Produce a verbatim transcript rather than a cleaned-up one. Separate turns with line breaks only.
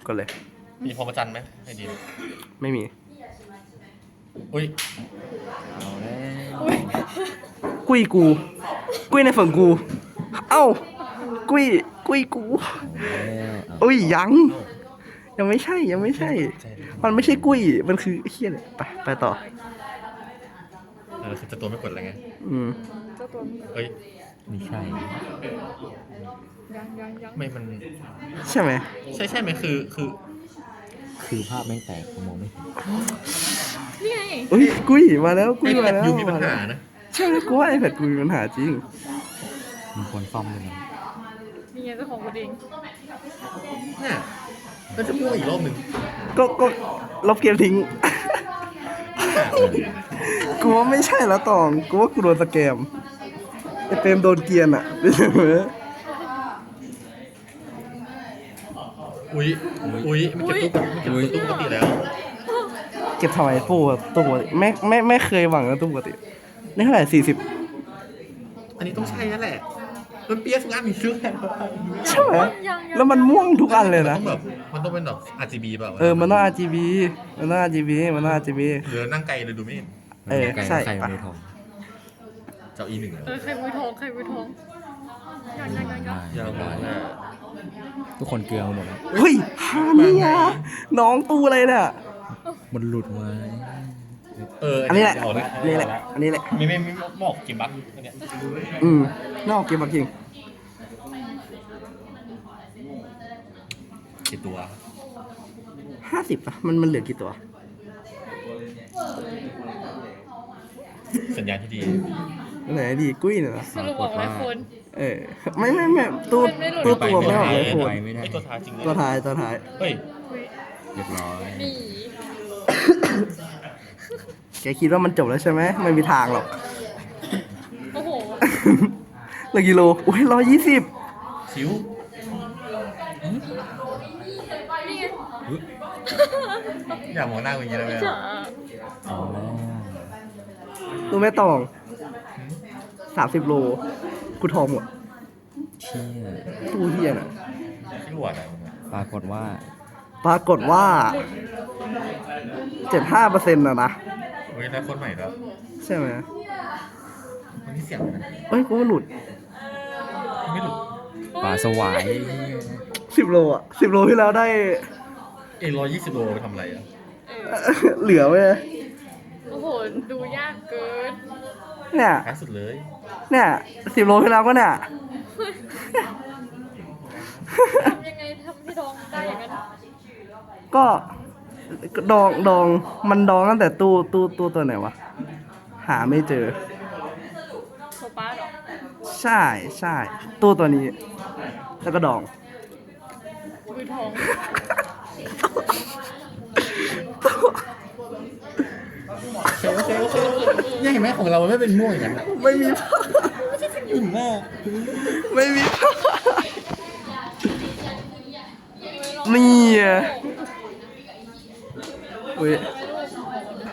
กดเลย
มีพรหมจันทรย์ไหมให้ดี
ไม่มี
อุ้ย
เอาแล้ว
กุ้ยกู กุ้ยในฝั่งกู เอ้า กุ้ย กุ้ยกู
เอาแล้ว
อุ้ยยัง ยังไม่ใช่ ยังไม่ใช่ มันไม่ใช่กุ้ย มันคือเฮียเลยไปไปต่อ
เออคือจะตัวไม่กดอะไรไง
อืม
เจ้าตัวนี้
เฮ้ย
ไม่ใช่
ยังยังยัง
ไม่มัน
ใช่ไหม
ใช่ใช่ไหมคือคือ
คือภาพแม่งแตกผมมองไม่เห็น
นี่ไง
อุ้ย กุ้ย มาแล้ว กุ้
ไอย แพ
มา
ด
แล้ว
ยูมีปัญหานะ
ใช่ไหมกูว่าไอแพดกูมีปัญหาจริง
มีคนซ่อมด้วยนะ
นี่ไงเจ้าของกูเอง
เนี่ยก็จะพูดอีกรอบหนึ่ง
ก็ ก็ลบเกมทิ้ง กูว่าไม่ใช่แล้วตอง กูว่ากูโดนสแกมไอเปรมโดนเกรียนอ่ะ
อุ้ยอุ้ยมันเก็บตู้มันเก็บตู้ปกติแล้ว
เก็บทำไมตู้ตู้ปกติไม่ไม่ไม่เคยหวังนะตู้ปกตินี่เท่าไหร่สี่สิบ
อันนี้ต้องใช่นั่นแหละมันเปียกทุกอันมีชื่อแทน
ใช่ไหมแล้วมันม่วงทุกอันเลยนะ
ต้องแบบมันต้องเป็นแบบ อาร์ จี บี เปล่า
เออ มันต้อง อาร์ จี บี มันต้อง อาร์ จี บี มันต้อง อาร์ จี บี
หรือนั่งไกลเลยดูไม่เห็น
เออใช่
ใคร
ปะ
มือทอง
เจ้าอีหนึ่ง
เออใครมือทองใครมือทองยังยังยังยัง
ยาวมาก
ทุกคนเกลือหมดแล้ว
เฮ้ยฮาเนี่ยน้องตู้อะไรเนี่ย
มันหลุดมา
เออ
อันนี้แหละ
เอา
อันนี้แหละ อันนี้แหละ
ไม่ไม่ไม่บอกกิมบักอันเนี้ย
อืมนอกเกมบักจริง
กี่ตัว
ห้าสิบป่ะ มันมันเหลือกี่ตัว
สัญญาณที่ดี
ไหนดีกุ้ยเนี่ยเหรอ
สรุปบอกไว้คน
เออ ไม่ไม่ไม่ตู้
ไม่หลุด
ตู้ตัวไม่ออกเลยโค
ไป
ตร
ไม่ได้
ไอตัวท้ายจริงเลย
ตัวท้ายตัวท้าย
เฮ้ย
เรียบร้อย
นี่
แกคิดว่ามันจบแล้วใช่ไหมไม่มีทางหรอก
โอ้โห
เหลือกิโลอุ้ยร้อยยี่สิบ
ชิว
นี่ไง
อย่ามองหน้ากูอย่างนี้นะแม่
จ๋า
เอาแล้ว
ตู้แม่ตองสามสิบโลกูทองหมด
เชี่ย
ตู้เฮียน่ะ
ที่หลวดอ่ะ
ปรากฏว่า
ปรากฏว่าเจ็ดห้าเปอร์เซ็นต์นะนะ
เฮ้ยได้คนใหม่แล้ว
ใช่ไหม
มันนี่เสียงนะ
เอ้ยกูว่าหลุด
ไม่หลุด
ปลาสวาย
สิบโลอ่ะสิบโลที่แล้วได้
เอร้อยยี่สิบโลไปทำอะไรอ่ะ
เออ
เหลือไว้เลย
โอ้โหดูยากเกิน
เนี่ย
ท้ายสุดเลย
เนี่ยสิบโลที่แล้วก็เนี่ย
ทำยังไงทำให้ทองได้อย่างนั้น
ก็ดองดองมันดองตั้งแต่ตู้ตู้ตู้ตัวไหนวะ หาไม่เจอ
โซป้าเหรอ
ใช่ใช่ตู้ตัวนี้ แล้วก็ดอง
มือทอง
โอเคโอเคโอเคเนี่ยเห็นไหมของเรามันไม่เป็นม่วงอย่างนั้นอ่ะ
ไม่มีผ้า
อุ่นมาก
ไม่มีผ้านี่อ่ะอุ้ย